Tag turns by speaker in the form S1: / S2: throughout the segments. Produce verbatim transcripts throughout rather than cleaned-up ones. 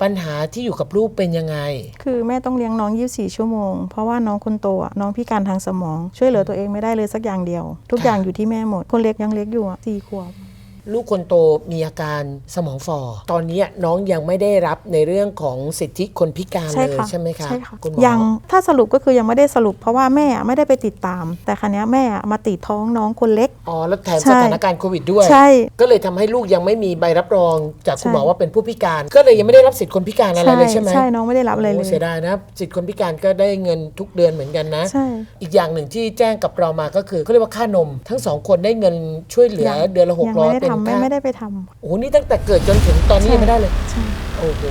S1: ปัญหาที่อยู่กับลูกเป็นยังไง
S2: คือแม่ต้องเลี้ยงน้องยี่สิบสี่ชั่วโมงเพราะว่าน้องคนโตน้องพิการทางสมองช่วยเหลือตัวเองไม่ได้เลยสักอย่างเดียวทุกอย่างอยู่ที่แม่หมดคนเล็กยังเล็กอยู่สี่ขวบ
S1: ลูกคนโตมีอาการสมองฝ่อตอนนี้น้องยังไม่ได้รับในเรื่องของสิทธิคนพิการเลยใช่ไหมคะ
S2: ใช่ค่ะยังถ้าสรุปก็คือยังไม่ได้สรุปเพราะว่าแม่ไม่ได้ไปติดตามแต่ครั้นี้แม่มาติดท้องน้องคนเล็ก
S1: อ๋อแล้วแถมสถานการณ์โควิดด้วย
S2: ใช่
S1: ก็เลยทำให้ลูกยังไม่มีใบรับรองจากคุณหมอว่าเป็นผู้พิการก็เลยยังไม่ได้รับสิทธิคนพิการอะไรเลยใช่ไหม
S2: ใช่น้องไม่ได้รับเลยเลย
S1: เสียดายนะสิทธิคนพิการก็ได้เงินทุกเดือนเหมือนกันนะ
S2: ใช่
S1: อีกอย่างหนึ่งที่แจ้งกับเรามาก็คือเขาเรียกว่าค่านมทั้งสองคนได้เงินช่วยเหลือเดือนละหกร้อย
S2: เป็นค่าไม่ได้ไปทำ
S1: โอ้โหนี่ตั้งแต่เกิดจนถึงตอนนี้ยังไม่ได้เลยใช่โอ้โห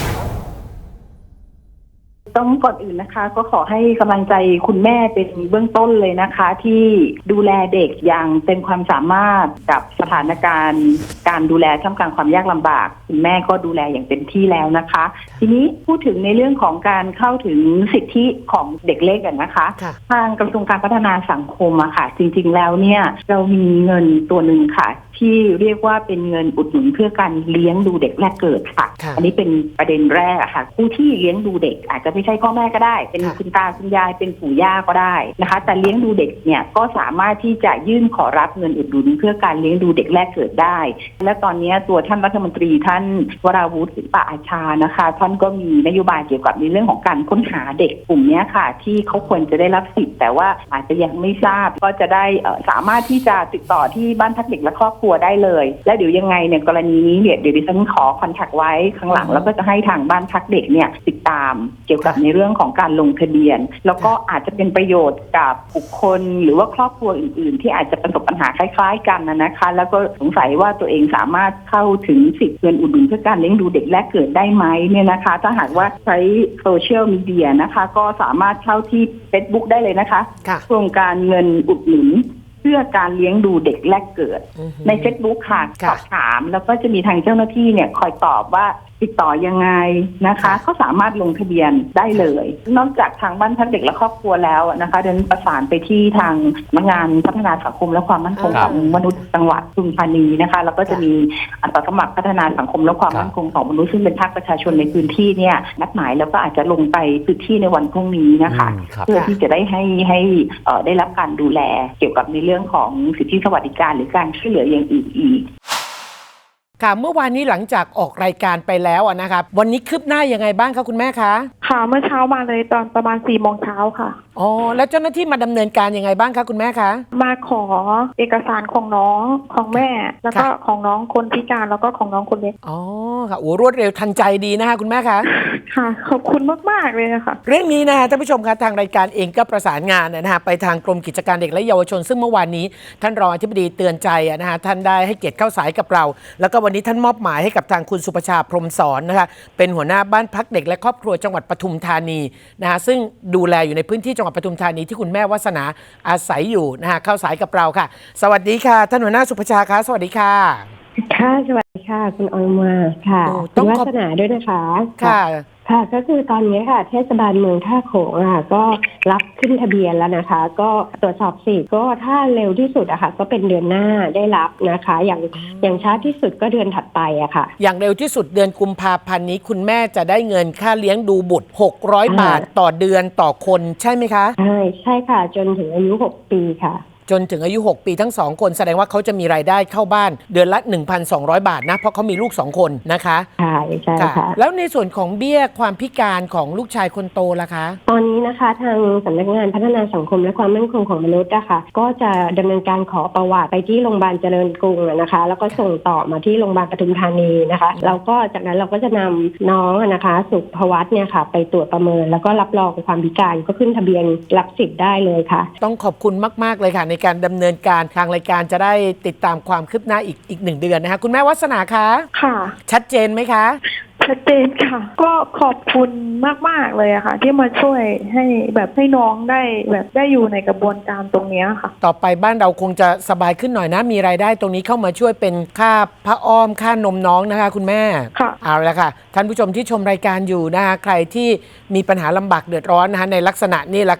S3: ต้องก่อนอื่นนะคะก็ขอให้กำลังใจคุณแม่เป็นเบื้องต้นเลยนะคะที่ดูแลเด็กอย่างเต็มความสามารถกับสถานการณ์การดูแลท่ามกลางความยากลำบากคุณแม่ก็ดูแลอย่างเต็มที่แล้วนะคะทีนี้พูดถึงในเรื่องของการเข้าถึงสิทธิของเด็กเล็กกันนะคะทางกระทรวงการพัฒนาสังคมอะค่ะจริงๆแล้วเนี่ยเรามีเงินตัวหนึ่งค่ะที่เรียกว่าเป็นเงินอุดหนุนเพื่อการเลี้ยงดูเด็กแรกเกิดค่ะอันนี้เป็นประเด็นแรกค่ะผู้ที่เลี้ยงดูเด็กอาจจะไม่ใช่พ่อแม่ก็ได้เป็นคุณตาคุณยายเป็นปู่ย่าก็ได้นะคะแต่เลี้ยงดูเด็กเนี่ยก็สามารถที่จะยื่นขอรับเงินอุดหนุนเพื่อการเลี้ยงดูเด็กแรกเกิดได้และตอนนี้ตัวท่านรัฐมนตรีท่านวราวุฒิศิลปะอาชานะคะท่านก็มีนโยบายเกี่ยวกับในเรื่องของการค้นหาเด็กกลุ่มนี้ค่ะที่เขาควรจะได้รับสิทธิ์แต่ว่าอาจจะยังไม่ทราบก็จะได้สามารถที่จะติดต่อที่บ้านพักเด็กและครอบครัวได้เลยแล้วเดี๋ยวยังไงเนี่ยกรณีนี้เนี่ยเดี๋ยวดิฉันขอคอนแทคไว้ข้างหลังแล้วก็จะให้ทางบ้านพักเด็กเนี่ยติดตามเกี่ยวกับในเรื่องของการลงทะเบียนแล้วก็อาจจะเป็นประโยชน์กับบุคคลหรือว่าครอบครัวอื่นๆที่อาจจะประสบปัญหาคล้ายๆกันนะคะแล้วก็สงสัยว่าตัวเองสามารถเข้าถึงสิทธิเงินอุดหนุนเพื่อการเลี้ยงดูเด็กแรกเกิดได้ไหมเนี่ยนะคะถ้าหากว่าใช้โซเชียลมีเดียนะคะก็สามารถเข้าที่ Facebook ได้เลยนะคะโครงการเงินอุดหนุนเพื่อการเลี้ยงดูเด็กแรกเกิดใน Facebook ค่ะสอบถามแล้วก็จะมีทางเจ้าหน้าที่เนี่ยคอยตอบว่าติดต่อยังไงนะคะเขาสามารถลงทะเบียนได้เลยนอกจากทางบ้านพักเด็กและครอบครัวแล้วนะคะเดินประสานไปที่ทางสำนักงานพัฒนาสังคมและความมั่นคงของมนุษย์จังหวัดปทุมธานีนะคะแล้วก็จะมีอาสาสมัครพัฒนาสังคมและความมั่นคงของมนุษย์ซึ่งเป็นภาคประชาชนในพื้นที่เนี่ยนัดหมายแล้วก็อาจจะลงไปพื้นที่ในวันพรุ่งนี้นะคะเพื่อที่จะได้ให้ให้ได้รับการดูแลเกี่ยวกับในเรื่องของสิทธิสวัสดิการหรือการช่วยเหลืออย่างอื่นอีก
S1: ค่ะเมื่อวานนี้หลังจากออกรายการไปแล้วนะครับวันนี้คืบหน้ายังไงบ้างคะคุณแม่คะ
S4: ค่ะเมื่อเช้ามาเลยตอนประมาณสี่โมงเช้าค่ะ
S1: อ๋อแล้วเจ้าหน้าที่มาดำเนินการยังไงบ้างคะคุณแม่คะ
S4: มาขอเอกสารของน้องของแม่แล้วก็ของน้องคนพิการแล้วก็ของน้องคนเล็ก
S1: อ๋อค่ะโอ้รวดเร็วทันใจดีนะคะคุณแม่คะ
S4: ค่ะขอบคุณมากๆเลยค่ะ
S1: เรื่องนี้นะคะท่านผู้ชมคะทางรายการเองก็ประสานงานนะคะไปทางกรมกิจการเด็กและเยาวชนซึ่งเมื่อวานนี้ท่านรองอธิบดีเตือนใจนะคะท่านได้ให้เกียรติเข้าสายกับเราแล้วก็วันนี้ท่านมอบหมายให้กับทางคุณสุภชาพรหมสอนนะคะเป็นหัวหน้าบ้านพักเด็กและครอบครัวจังหวัดปทุมธานีนะคะซึ่งดูแลอยู่ในพื้นที่จังหวัดปทุมธานีที่คุณแม่วาสนาอาศัยอยู่นะคะเข้าสายกับเราค่ะสวัสดีค่ะท่านหัวหน้าสุภชาคะสวัสดีค่ะ
S5: ค่ะสวัสดีค่ะคุณออยมาค่ะคุณวาสนาด้วยนะคะ
S1: ค่ะ
S5: ค่ะก็คือตอนนี้ค่ะเทศบาลเมืองท่าโขงอ่ะก็รับขึ้นทะเบียนแล้วนะคะก็ตรวจสอบสิทธิ์ก็ถ้าเร็วที่สุดอะค่ะก็เป็นเดือนหน้าได้รับนะคะอย่างอย่างช้าที่สุดก็เดือนถัดไปอะค่ะ
S1: อย่างเร็วที่สุดเดือนกุมภาพันธ์นี้คุณแม่จะได้เงินค่าเลี้ยงดูบุตรหกร้อยบาทต่อเดือนต่อคนใช่ไหมคะ
S5: ใช่ใช่ค่ะจนถึงอายุหกปีค่ะ
S1: จนถึงอายุหกปีทั้งสองคนแสดงว่าเขาจะมีรายได้เข้าบ้านเดือนละ หนึ่งพันสองร้อย บาทนะเพราะเขามีลูกสองคนนะคะ
S5: ใช่ใช่ค่ะ
S1: แล้วในส่วนของเบี้ยความพิการของลูกชายคนโตล่ะคะ
S5: ตอนนี้นะคะทางสำนักงานพัฒนาสังคมและความมั่นคงของมนุษย์นะคะก็จะดำเนินการขอประวัติไปที่โรงพยาบาลเจริญกรุงนะคะแล้วก็ส่งต่อมาที่โรงพยาบาลปทุมธานีนะคะแล้วก็จากนั้นเราก็จะนำน้องนะคะสุภวัฒน์เนี่ยค่ะไปตรวจประเมินแล้วก็รับรองความพิการก็ขึ้นทะเบียนรับสิทธิ์ได้เลยค่ะ
S1: ต้องขอบคุณมากๆเลยค่ะในการดำเนินการทางรายการจะได้ติดตามความคืบหน้าอีกอีกหนึ่งเดือนนะคะคุณแม่วาสนาคะ
S4: ค่ะ
S1: ชัดเจนไหมคะ
S4: ชัดเจนค่ะก็ขอบคุณมากๆเลยอะค่ะที่มาช่วยให้แบบให้น้องได้แบบได้อยู่ในกระบวนการตรงนี้ค่ะ
S1: ต่อไปบ้านเราคงจะสบายขึ้นหน่อยนะมีรายได้ตรงนี้เข้ามาช่วยเป็นค่าผ้าอ้อมค่านมน้องนะคะคุณแม่
S4: ค่ะ
S1: เอาละค่ะท่านผู้ชมที่ชมรายการอยู่นะคะใครที่มีปัญหาลำบากเดือดร้อนนะคะในลักษณะนี้แหละค่ะ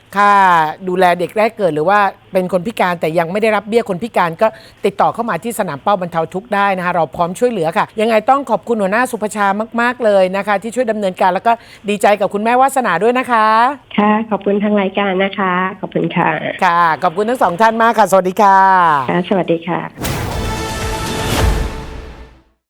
S1: ค่าดูแลเด็กแรกเกิดหรือว่าเป็นคนพิการแต่ยังไม่ได้รับเบี้ยคนพิการก็ติดต่อเข้ามาที่สนามเป้าบรรเทาทุกข์ได้นะคะเราพร้อมช่วยเหลือค่ะยังไงต้องขอบคุณหัวหน้าสุภชามากๆเลยนะคะที่ช่วยดำเนินการแล้วก็ดีใจกับคุณแม่วาสนาด้วยนะคะ
S5: ค่ะขอบคุณทางรายการนะคะขอบคุณค่ะ
S1: ค่ะขอบคุณทั้งสองท่านมากค่ะสวัสดีค่ะ
S5: ค่ะสวัสดีค่ะ